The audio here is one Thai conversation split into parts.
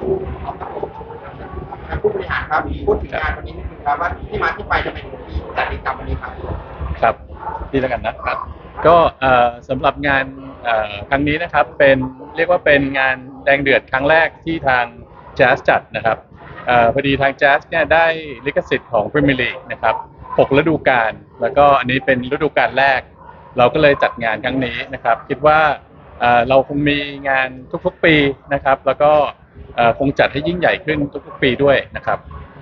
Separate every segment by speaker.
Speaker 1: ผู้บริหารครับพูดถึงงานวันนี้นิดนึงครับว่าที่มาที่ไปทำไมถึงมีจัดกิจกรรมวันนี้ครับ
Speaker 2: ครับที่แล้วกันนะครับก็สำหรับงานครั้งนี้นะครับเป็นเรียกว่าเป็นงานแดงเดือดครั้งแรกที่ทางแจ๊สจัดนะครับพอดีทางแจ๊สเนี่ยได้ลิขสิทธิ์ของพรีเมียร์ลีกนะครับ6ฤดูกาลแล้วก็อันนี้เป็นฤดูกาลแรกเราก็เลยจัดงานครั้งนี้นะครับคิดว่าเราคงมีงานทุกๆปีนะครับแล้วก็คงจัดให้ยิ่งใหญ่ขึ้นทุกๆปีด้วยนะครับ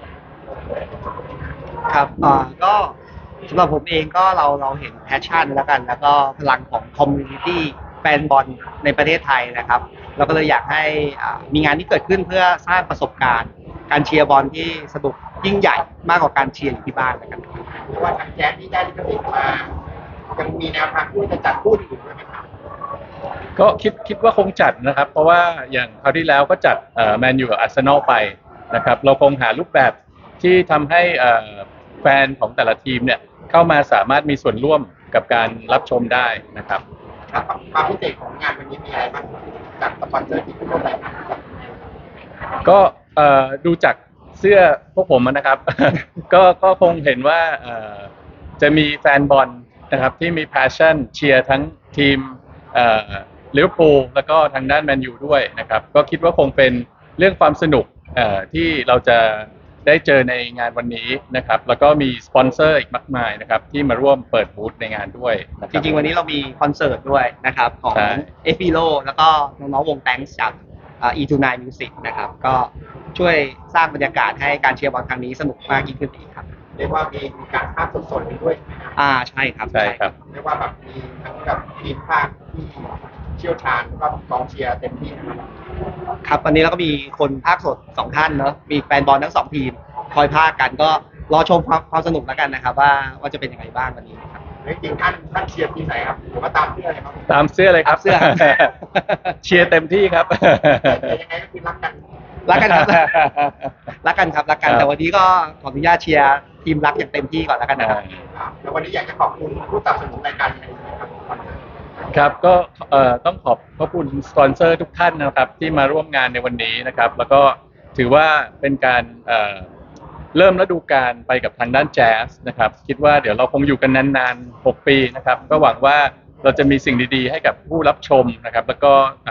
Speaker 3: ครับก็สำหรับผมเองก็เราเห็นแพชชั่นแล้วกันแล้วก็พลังของคอมมูนิตี้แฟนบอลในประเทศไทยนะครับเราก็เลยอยากให้มีงานที่เกิดขึ้นเพื่อสร้างประสบการณ์การเชียร์บอลที่สนุกยิ่งใหญ่มากกว่าการเชียร์อยู่ที่บ้านนะครับ
Speaker 1: เพราะว่าทางแจ๊สที่ได้ลิขสิทธิ์มายังมีแนวทางที่จะจัดคู่อื่นด้วยไหมครับ
Speaker 2: ก็คิดว่าคงจัดนะครับเพราะว่าอย่างคราวที่แล้วก็จัดแมนยูกับอาร์เซนอลไปนะครับเราคงหารูปแบบที่ทำให้แฟนของแต่ละทีมเนี่ยเข้ามาสามารถมีส่วนร่วมกับการรับชมได้นะครับ
Speaker 1: ความพิเศษของงานวันนี้มีอะไรบ้างจากสปอนเซอร์ที่ร่วมรายการ
Speaker 2: ก็ดูจากเสื้อพวกผมนะครับ ก็คงเห็นว่าจะมีแฟนบอลนะครับที่มี passion เชียร์ทั้งทีมลิเวอร์พูลแล้วก็ทางด้านแมนยูด้วยนะครับก็คิดว่าคงเป็นเรื่องความสนุกที่เราจะได้เจอในงานวันนี้นะครับแล้วก็มีสปอนเซอร์อีกมากมายนะครับที่มาร่วมเปิดบูธในงานด้วย
Speaker 3: จริงๆวันนี้เรามีคอนเสิร์ตด้วยนะครับของเอฟิโลแล้วก็น้องๆวงแตงจากE29 Music นะครับก็ช่วยสร้างบรรยากาศให้การเชียร์บอลครั้งนี้สนุกมากยิ่งขึ้นอีกครับ
Speaker 1: เรียกว่ามีการภาคสดๆด้วย
Speaker 3: ใช่ครับ
Speaker 1: เรียกว่าแบบมีทั้งแบบทีมภาคที่เชี่ยวชาญแล้วก็กองเชียร์เต็มที่นะครับ
Speaker 3: ครับวันนี้เราก็มีคนภาคสด2ท่านเนอะมีแฟนบอลทั้ง2ทีมคอยภาคกันก็รอชมความสนุกแล้วกันนะครับว่าจะเป็นยังไงบ้างวันนี้ครับ
Speaker 1: จริงท่านเชียร์ทีมไหนครับหรือว่าตามเสื้อเลยครับ
Speaker 2: ตามเสื้อเลยครับ
Speaker 3: เสื้อ
Speaker 2: เชียร์เต็มที่ครับ
Speaker 1: ยังไงก็คือรักกัน
Speaker 3: ครับรักกันแต่วันนี้ก็ขออนุญาตเชียร์ทีมรักอย่างเต็มที่ก่อนแล้วกันนะครับ
Speaker 1: แล้ววันนี้อยากจะขอบคุณผู้สนับสนุนรายการในนี้ครับ
Speaker 2: ครับก็ต้องขอบคุณสปอนเซอร์ทุกท่านนะครับที่มาร่วมงานในวันนี้นะครับแล้วก็ถือว่าเป็นการเริ่มฤดูกาลไปกับทางด้านแจ๊สนะครับคิดว่าเดี๋ยวเราคงอยู่กันนานๆ6ปีนะครับก็หวังว่าเราจะมีสิ่งดีๆให้กับผู้รับชมนะครับแล้วก็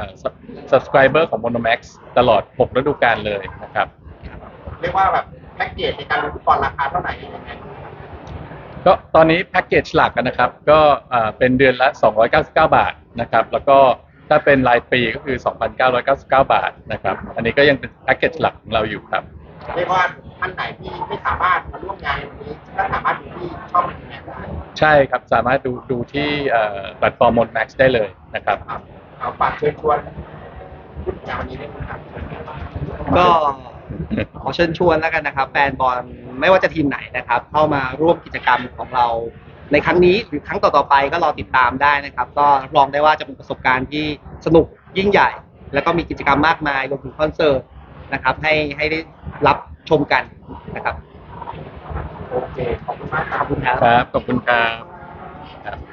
Speaker 2: subscriber ของ Monomax ตลอด6ฤดูกาลเลยนะครับ
Speaker 1: เรียกว่าแบบแพ็กเกจในการดูฟุตบอลราคาเท่าไหร่ยังไง
Speaker 2: ก็ตอนนี้แพ็กเกจหลักนะครับก็เป็นเดือนละ299 บาทนะครับแล้วก็ถ้าเป็นรายปีก็คือ 2,999 บาทนะครับอันนี้ก็ยังเป็นแพ็กเกจหลักของเราอยู่ครับ
Speaker 1: เรียกว่าท่านไหนที่ไม่สามารถมาร่วมงานในวันนี้ก็สามารถดูที่ช่องนี้ได้
Speaker 2: ใช่ครับสามารถดูที่แพลตฟอร์ม Monomax ได้เลยนะครับ
Speaker 1: เอาฝากเชิญชวนพูดงานวันนี้ได้ไหมครับ
Speaker 3: ก็ขอเชิญชวนแล้วกันนะครับแฟนบอลไม่ว่าจะทีมไหนนะครับเข้ามาร่วมกิจกรรมของเราในครั้งนี้หรือครั้งต่อๆไปก็รอติดตามได้นะครับก็รับรองได้ว่าจะเป็นประสบการณ์ที่สนุกยิ่งใหญ่แล้วก็มีกิจกรรมมากมายรวมถึงคอนเสิร์ตนะครับให้ได้รับชมกันนะครับ
Speaker 1: โอเคขอบคุณมาก
Speaker 3: ขอบคุณครับ
Speaker 2: ขอบคุณครับ